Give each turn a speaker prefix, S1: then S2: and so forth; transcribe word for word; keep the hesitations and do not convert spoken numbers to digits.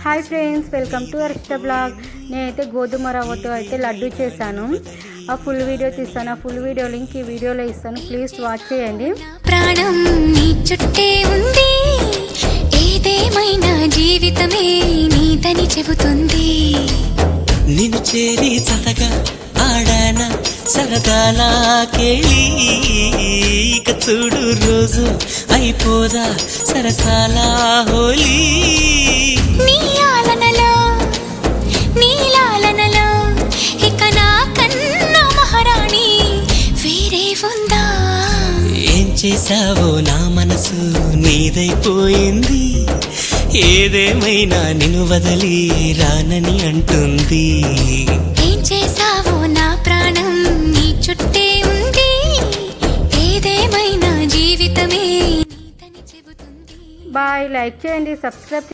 S1: Hi friends, welcome to Arshita blog. నేనైతే గోధుమ రవ్వతో అయితే లడ్డు చేశాను. ఆ ఫుల్ వీడియో తీస్తాను. ఆ ఫుల్ వీడియో లింక్ ఈ వీడియోలో ఇస్తాను. ప్లీజ్ వాచ్ చేయండి.
S2: ప్రాణం నీ చుట్టే ఉంది, ఏదేమైనా జీవితమే నీదని చెబుతుంది.
S3: నిన్ను చేరి చతగా ఆడాన సరదాలా కేళి, ఇక చూడు రోజు అయిపోదా సరసాలా హోలీ.
S2: నీ ఆలనలో నీ లాలనలో ఇక నా కన్నా మహారాణి వేరే ఉందా?
S3: ఏం చేసావో నా మనసు నీదైపోయింది, ఏదేమైనా నిన్ను వదిలి రానని అంటుంది.
S2: ఏం చేసావో నా ప్రాణం నీ చుట్టే ఉంది, ఏదేమైనా జీవితమే నీదని చెబుతుంది.
S1: బాయ్. లైక్ చేయండి, సబ్స్క్రైబ్